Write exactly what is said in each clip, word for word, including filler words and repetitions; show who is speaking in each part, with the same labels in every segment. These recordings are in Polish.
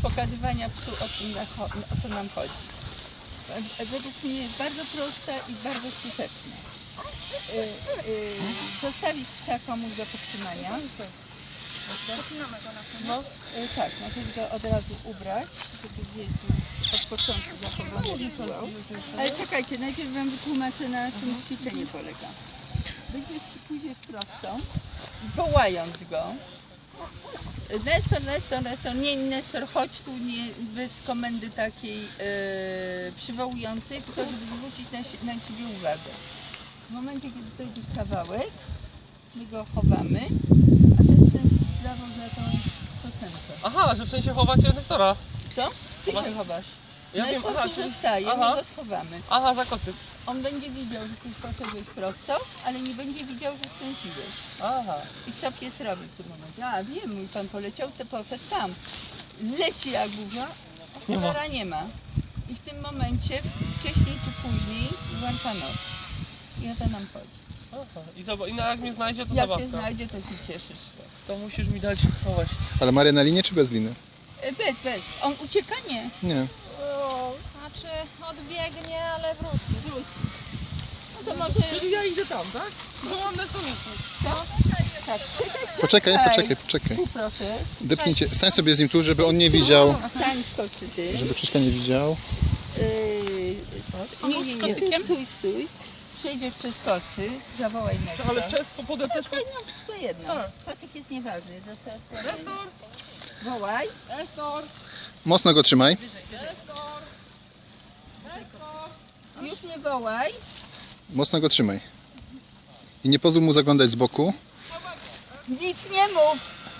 Speaker 1: pokazywania psu, o, czym, o co nam chodzi. Według mnie jest bardzo prosta i bardzo skuteczna. Y, y, zostawić psa komuś do podtrzymania.
Speaker 2: Zaczynamy go na tym.
Speaker 1: No, y, tak, możesz go od razu ubrać, żeby gdzieś od początku zachowany rytuał. Ale czekajcie, najpierw wam wytłumaczę, na czym ćwiczenie polega. Będziesz pójdziesz prosto, wołając go. Nestor, Nestor, Nestor, nie Nestor, chodź tu, nie, bez komendy takiej e, przywołującej, tylko żeby zwrócić na, na siebie uwagę. W momencie, kiedy dojdziesz kawałek, my go chowamy, a ten kręcisz w prawo za tą kosenkę.
Speaker 3: Aha, że w sensie chowacie Nestora.
Speaker 1: Co? Ty się chowasz.
Speaker 3: Ja
Speaker 1: Nestor
Speaker 3: wiem, aha,
Speaker 1: tu
Speaker 3: czyli-
Speaker 1: zostaje,
Speaker 3: aha.
Speaker 1: my go schowamy.
Speaker 3: Aha, za kocyk.
Speaker 1: On będzie widział, że ty poszedłeś prosto, ale nie będzie widział, że skręciłeś.
Speaker 3: Aha.
Speaker 1: I co pies robi w tym momencie? A wiem, mój pan poleciał, to poszedł tam. Leci jak burza, a
Speaker 3: Nie ma.
Speaker 1: cholera nie ma. I w tym momencie, wcześniej czy później, włącza nos. I o to nam chodzi.
Speaker 3: Aha. I, zobacz, i na jak mnie znajdzie, to
Speaker 1: Jak cię
Speaker 3: zabawka.
Speaker 1: znajdzie, to się cieszysz.
Speaker 3: To musisz mi dać chować.
Speaker 4: Ale Maria na linię czy bez liny?
Speaker 1: E, Bez, bez. On ucieka? Nie.
Speaker 4: Nie.
Speaker 2: Znaczy odbiegnie, ale wróci.
Speaker 1: Wróci. No to może...
Speaker 3: Czyli ja idę tam, tak? Bo mam Nestorówkę.
Speaker 1: Tak.
Speaker 4: Poczekaj,
Speaker 1: Ej.
Speaker 4: poczekaj, poczekaj.
Speaker 1: Tu proszę.
Speaker 4: Depnijcie, stań sobie z nim tu, żeby on nie widział,
Speaker 1: Stań, skoczy ty.
Speaker 4: żeby Krzyśka nie widział.
Speaker 1: Yy, nie, nie, nie. Stój, stój. Przejdziesz przez kocy, zawołaj Nestor.
Speaker 3: Ale przez po podepteczkę.
Speaker 1: No, wszystko jedno.
Speaker 3: Tak.
Speaker 1: Kocyk jest nieważny. Został
Speaker 3: Nestor!
Speaker 1: Wołaj.
Speaker 3: Nestor!
Speaker 4: Mocno go trzymaj.
Speaker 3: Nestor! Nestor!
Speaker 1: Już nie wołaj.
Speaker 4: Mocno go trzymaj. I nie pozwól mu zaglądać z boku.
Speaker 1: Nic nie mów.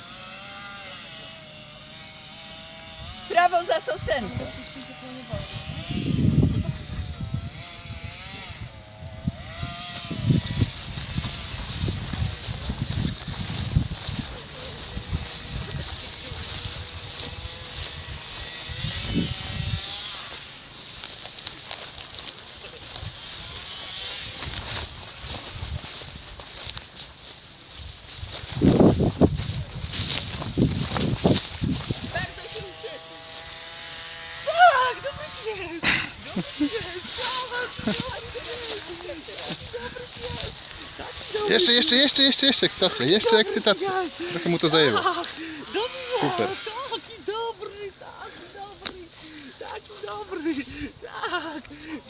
Speaker 1: Prawo za sosenką. Bardzo się ucieszę.
Speaker 3: Tak, dobry pies! Dobry pies!
Speaker 4: Jeszcze, jeszcze, jeszcze, jeszcze, jeszcze ekscytacja, jeszcze ekscytacja. Trochę mu to zajęło. Super.
Speaker 3: Taki dobry, taki dobry, taki dobry, tak,